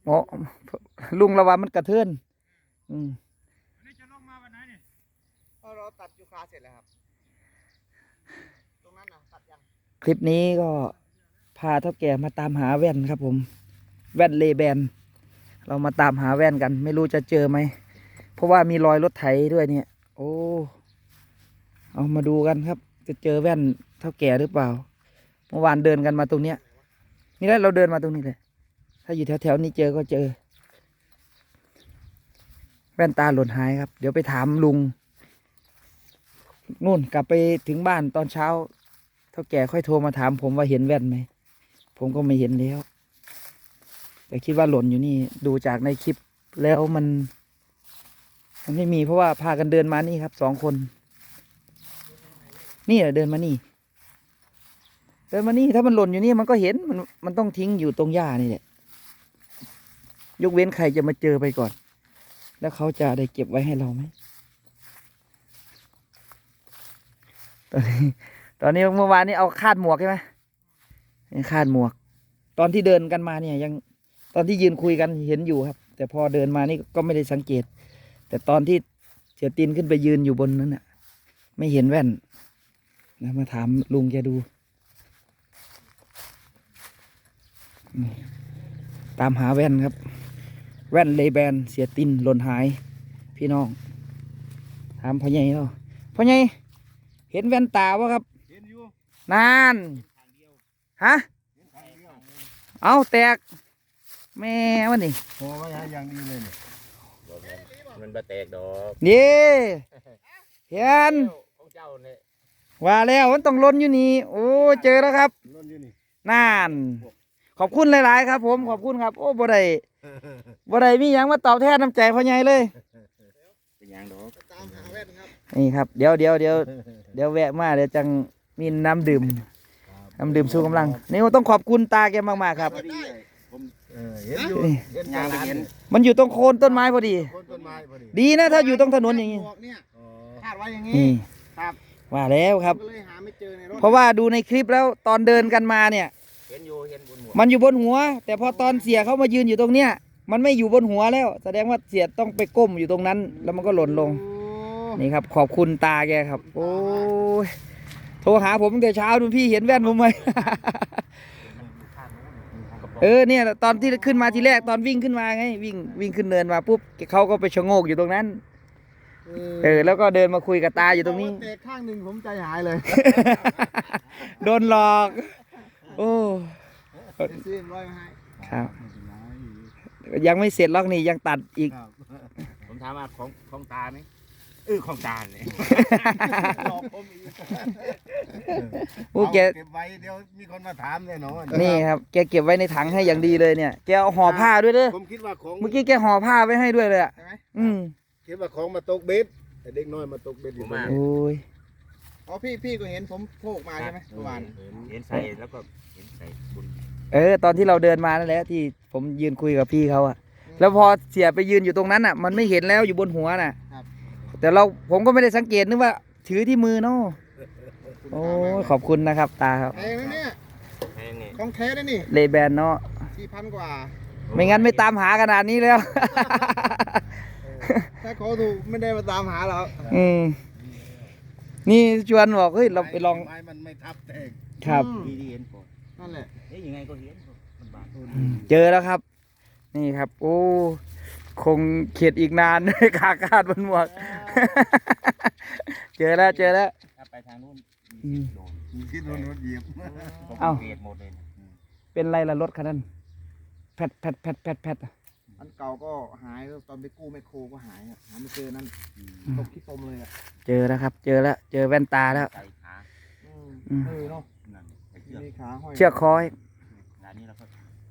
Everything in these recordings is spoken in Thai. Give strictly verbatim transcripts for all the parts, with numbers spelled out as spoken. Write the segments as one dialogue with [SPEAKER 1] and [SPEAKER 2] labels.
[SPEAKER 1] หมอลุงระวังมันกระเทือนอืม
[SPEAKER 2] นี่จะลงมาวันไหนเนี่ย
[SPEAKER 3] พอเราตัดยูคาเสร็จแล้วครับตรงนั้นนะตัดยัง
[SPEAKER 1] คลิปนี้ก็พาเท่าแก่มาตามหาแว่นครับผมแว่นเลแบนเรามาตามหาแว่นกันไม่รู้จะเจอไหมเพราะว่ามีรอยรถไถด้วยเนี่ยโอ้เอามาดูกันครับจะเจอแว่นเท่าแก่หรือเปล่าเมื่อวานเดินกันมาตรงเนี้ยนี่แหละเราเดินมาตรงนี้เลยถ้าอยู่แถวๆนี้เจอก็เจอแว่นตาหล่นหายครับเดี๋ยวไปถามลุงนู่นกลับไปถึงบ้านตอนเช้าเท่าแก่ค่อยโทรมาถามผมว่าเห็นแว่นไหมผมก็ไม่เห็นแล้วแต่คิดว่าหล่นอยู่นี่ดูจากในคลิปแล้วมันมันไม่มีเพราะว่าพากันเดินมานี่ครับสองคนนี่แหละเดินมานี่เดินมานี่ถ้ามันหล่นอยู่นี่มันก็เห็นมันมันต้องทิ้งอยู่ตรงหญ้านี่แหละยกเว้นใครจะมาเจอไปก่อนแล้วเขาจะได้เก็บไว้ให้เราไหมตอนนี้ตอนนี้เมื่อวานนี้เอาคาดหมวกใช่ไหมคาดหมวกตอนที่เดินกันมาเนี่ยยังตอนที่ยืนคุยกันเห็นอยู่ครับแต่พอเดินมานี่ก็ไม่ได้สังเกตแต่ตอนที่เสียตินขึ้นไปยืนอยู่บนนั้นน่ะไม่เห็นแว่นนะมาถามลุงแกดูตามหาแว่นครับแว่นเลแบนเสียตินหล่นหายพี่น้องถามพ่อใหญ่เนาะพ่อใหญ่เห็นแว่นตาวะครับ
[SPEAKER 2] เห็นอยู่
[SPEAKER 1] นานฮะเอาแตกแม่วันนี้
[SPEAKER 3] โอ้ยอย่างดีเลยเนี่ย
[SPEAKER 2] มันบะแตกดอก
[SPEAKER 1] นี่เห็น
[SPEAKER 2] ของเจ้าเนี่ย
[SPEAKER 1] ว่าแล้วมันต้องล้นอยู่นี่โอ้เจอแล้วครับ
[SPEAKER 3] ล้นอยู่นี่
[SPEAKER 1] นานขอบคุณหลายๆครับผมขอบคุณครับโอ้บ่ได้บ่ได้มีหยังมาตอบแทนน้ำใจพ่อใหญ่เลย
[SPEAKER 2] เป็นยังดอก
[SPEAKER 3] ตามหาแว่นครับ
[SPEAKER 1] นี่ครับเดี๋ยวเดี๋ยวเดี๋ยวเดี๋ยวแวะมาเดี๋ยวจังมีน้ำดื่มน้ำดื่มสู้กำลังนี่ต้องขอบคุณตาแกมากๆครับ
[SPEAKER 3] เห็นอยู่เห็นอย่างเห็น
[SPEAKER 1] มันอยู่ตรงโคนต้นไม้พอดี
[SPEAKER 3] ต้นไม้พอดี
[SPEAKER 1] ดีนะถ้าอยู่ตรงถนนอย่างนี้
[SPEAKER 3] คาดไว้อย่างนี้ครับ
[SPEAKER 1] ว่าแล้วครับ
[SPEAKER 3] ก็เลยหาไม่เจอในรถ
[SPEAKER 1] เพราะว่าดูในคลิปแล้วตอนเดินกันมาเนี่ย
[SPEAKER 2] เห็นอยู่เห็นบนหัว
[SPEAKER 1] มันอยู่บนหัวแต่พอตอนเสียเขามายืนอยู่ตรงเนี้ยมันไม่อยู่บนหัวแล้วแสดงว่าเสียต้องไปก้มอยู่ตรงนั้นแล้วมันก็หล่นลงนี่ครับขอบคุณตาแกครับโอ้ยโทรหาผมตั้งแต่เช้าดูพี่เห็นแว่นผมไหม เออเนี่ยตอนที่ขึ้นมาทีแรกตอนวิ่งขึ้นมาไงวิ่งวิ่งขึ้นเนินมาปุ๊บเขาก็ไปชะโงกอยู่ตรงนั้นเออแล้วก็เดินมาคุยกับตาอยู่ตรงนี้
[SPEAKER 3] เตะข้างหนึ่งผมใจหายเลย
[SPEAKER 1] โดนหลอกโอ้
[SPEAKER 3] ซื้อร้อยมาให้
[SPEAKER 1] ครับยังไม่เสร็จล็อกนี่ยังตัดอีก
[SPEAKER 2] ผมถามว่าของของตาไหมเออของตาเนี่ย
[SPEAKER 3] หลอกผมอีก
[SPEAKER 1] โอ้แก
[SPEAKER 3] เก็บไว้เดี๋ยวมีคนมาถามแน่นอน
[SPEAKER 1] นี่ครับแกเก็บไว้ในถังให้อย่างดีเลยเนี่ยแกเอาห่อผ้าด้วยเด้อ
[SPEAKER 3] ผมคิดว่าของ
[SPEAKER 1] เมื่อกี้แกห่อผ้าไว้ให้ด้วยเลยอ่ะอืม
[SPEAKER 3] คิดว่าของมาตกเบ็ดแต่เด็กน้อยมาตกเบ็ดอยู่มา
[SPEAKER 1] โอ้ย
[SPEAKER 3] อ๋อพี่พี่ก็เห็นผมโผล่มาใช่ไหมเมื่อวาน
[SPEAKER 2] เห็นใส่แล้วก็เห็นใส่บุญ
[SPEAKER 1] เออตอนที่เราเดินมานั่นแหละที่ผมยืนคุยกับพี่เขาอะแล้วพอเสียไปยืนอยู่ตรงนั้นอ่ะมันไม่เห็นแล้วอยู่บนหัวน่ะแต่เราผมก็ไม่ได้สังเกตนึกว่าถือที่มือเนาะโอ้ขอบคุณนะครับตาครับ
[SPEAKER 3] แพงนะเนี่ยของแท้ได้นี่
[SPEAKER 1] เลแบนเนาะ
[SPEAKER 3] สี่พันกว่า
[SPEAKER 1] ไม่งั้นไม่ตามหาขนาดนี้แล้ว
[SPEAKER 3] ถ้าเขาถูกไม่ได้มาตามหาเรา
[SPEAKER 1] อืมนี่ชวนบอกเฮ้ยเราไปลอง
[SPEAKER 3] ไม้มันไม่ทับแตก
[SPEAKER 1] ครับ
[SPEAKER 2] ดีดีเห็นก่อน
[SPEAKER 3] นั่นแหละ
[SPEAKER 2] เอ๊ยยังไงก็เห็นมันบาด
[SPEAKER 1] เจอแล้วครับนี่ครับโอ้คงเข็ดอีกนานขาคาดบนหมวกเจอแล้วเจอแล้ว
[SPEAKER 2] ไปทางนู้น
[SPEAKER 3] คิดโดนรถเหยียบ
[SPEAKER 1] เอ้า
[SPEAKER 2] เกลียดหมดเลย
[SPEAKER 1] เป็นไรล่ะรถคันนั้นแพดแพดแพดแพดแพด
[SPEAKER 3] อันเก่าก็หายตอนไปกู้แมคโครก็หายหาไม่เจอนั่นตกที่ตมเลยอ่ะ
[SPEAKER 1] เจอแล้วครับเจอแล้วเจอแว่นตาแล้ว
[SPEAKER 2] ใส่ขา
[SPEAKER 3] เออเนาะมีขาห้อย
[SPEAKER 1] เชือกคอย
[SPEAKER 2] งานนี้เราก็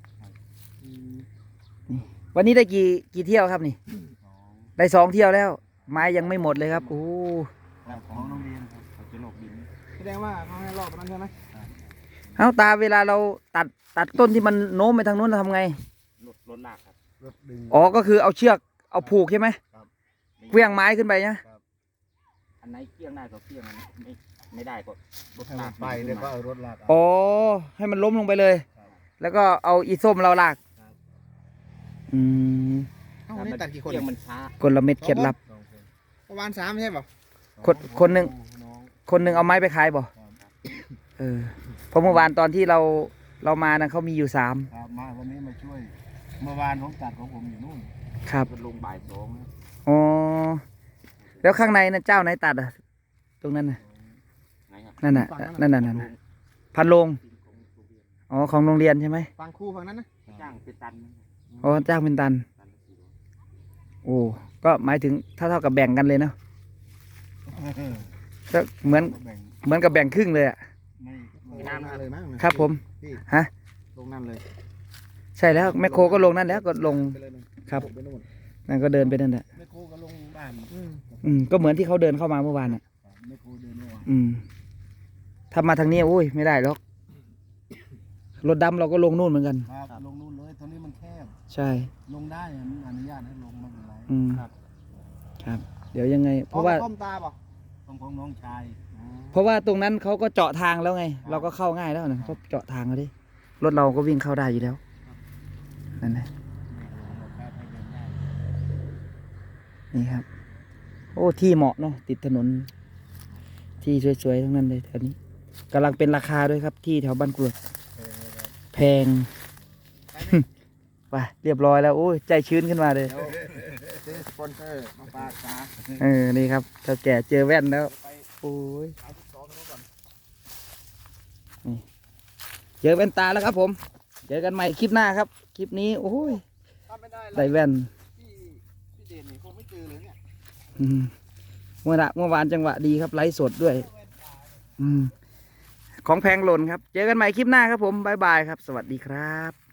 [SPEAKER 1] วันนี้ได้กี่กี่เที่ยวครับนี่ได้สองเที่ยวแล้วไม้ยังไม่หมดเลยครับโอ้
[SPEAKER 2] ของโรงเรียนครับเขาจะลอกดิน
[SPEAKER 3] แสดงว่าเขาให้รอบนั้นใช่ไหม
[SPEAKER 1] เอาตาเวลาเราตัดตัดต้นที่มันโน้มไปทางนู้นเราทำไง
[SPEAKER 2] รถรถลากครับ
[SPEAKER 3] รถดึง
[SPEAKER 1] อ๋อก็คือเอาเชือกเอาผูกใช่ไหมเกลี้ยงไม้ขึ้นไปนะ
[SPEAKER 2] อันไหนเกลี้ยงได้ก็เกลี้ยงไม่ไม่ได้ก็
[SPEAKER 3] รถลากไปเดี๋ยวก็เอารถลาก
[SPEAKER 1] อ๋อให้มันล้มลงไปเลยแล้วก็เอาอีส้มเราลากอือืม
[SPEAKER 3] เอ้าวันนี้ตัดกี่คน
[SPEAKER 2] เรื่อง
[SPEAKER 3] เนี่ย
[SPEAKER 2] มันช้าก
[SPEAKER 1] ลเม็ดเคล็ดลับ
[SPEAKER 3] ประมาณสามใช่ป่ะ
[SPEAKER 1] คนคนหนึ่งคนหนึ่งเอาไม้ไปขายบ่เออเพราะเมื่อวานตอนที่เราเรามานะเขามีอยู่สาม
[SPEAKER 4] ครับมาวันนี้มาช่วย เมื่อวานผมตัดของผมอยู่นู่น
[SPEAKER 1] ครับ
[SPEAKER 2] มันลงบ่ายสองนะ
[SPEAKER 1] อ๋อแล้วข้างในนะเจ้าไหนตัดอ่ะ ตรงนั้นน่ะ
[SPEAKER 2] ไหนครับ
[SPEAKER 1] นั่นน่ะนั่นน่ะนั่นน่ะพันโลงอ๋อของโรงเรียนใช่ไหม
[SPEAKER 3] ฟังครูฝั่งนั้นนะ
[SPEAKER 2] จ้างเป็นตันนะ
[SPEAKER 1] อ๋อจ้างเป็นตัน
[SPEAKER 2] ตันละสี่ร้อย
[SPEAKER 1] โอ้ก็หมายถึงถ้าเท่ากับแบ่งกันเลยเนาะก็เหมือน
[SPEAKER 4] แบ่ง
[SPEAKER 1] เหมือนกับแบ่งครึ่งเลยอ่ะ
[SPEAKER 4] ไม่
[SPEAKER 3] ล
[SPEAKER 4] ไม่
[SPEAKER 3] งนั่นเลยมั้งนะครับ
[SPEAKER 1] ผม
[SPEAKER 3] พี่
[SPEAKER 1] ฮะ
[SPEAKER 3] ลงนั่นเลย
[SPEAKER 1] ใช่แล้วแมคโครก็ลงนั่นแล้วก็ลง
[SPEAKER 3] ไปเลยนะครับ ไปนู่น
[SPEAKER 1] นั่นก็เดินไปนั่นแหละ
[SPEAKER 4] ไม่โคก็ลงบ้าน
[SPEAKER 3] อืม
[SPEAKER 1] อืมก็เหมือนที่เขาเดินเข้ามาเมื่อวานอ่ะ
[SPEAKER 4] ไม่โคเดินไม่ไหว
[SPEAKER 1] อืมถ้ามาทางนี้อุ้ยไม่ได้หรอกรถดำเราก็ลงนู่นเหมือนกัน
[SPEAKER 4] ครับลงนู่นเลยตอนนี้มันแคบ
[SPEAKER 1] ใช่
[SPEAKER 4] ลงได้มันอนุญาตให้ลงไม่เป็นไร
[SPEAKER 1] อืมครับ เดี๋ยวยังไง เพราะว่า
[SPEAKER 3] อต้มตาป่ะ
[SPEAKER 4] ของของน้องชาย
[SPEAKER 1] เพราะว่าตรงนั้นเขาก็เจาะทางแล้วไง เราก็เข้าง่ายแล้วนะเขาเจาะทางแล้วดิรถเราก็วิ่งเข้าได้อยู่แล้วนั่นแหละ
[SPEAKER 4] แค่ให้เดินได้
[SPEAKER 1] นี่ครับ โอ้ที่เหมาะเนาะติดถนน ที่สวยๆทั้งนั้นเลยแถวนี้กำลังเป็นราคาด้วยครับ ที่แถวบ้านกรวดแพง ไปเรียบร้อยแล้วโอ้ยใจชื้นขึ้นมาเลย
[SPEAKER 3] เดี๋ยวซื้อสปอนเซอร์มาฝากตา
[SPEAKER 1] เออนี่ครับเท่าแก่เจอแว่นแล้วโอ้ย
[SPEAKER 3] เอาสิบสองนู้นก่อน
[SPEAKER 1] เจอแว่นตาแล้วครับผม เจอกันใหม่คลิปหน้าครับ คลิปนี้โอ้ย
[SPEAKER 3] ถ้าไม่ได้
[SPEAKER 1] ได้แว่น
[SPEAKER 3] พี่พี่เด่นนี่คงไม่เจอเลยเนี่ย
[SPEAKER 1] อืมเมื่อละเมื่อวานจังหวะดีครับไลฟ์สดด้วย อืมของแพงหล่นครับ เจอกันใหม่คลิปหน้าครับผม บ๊ายบายครับ สวัสดีครับ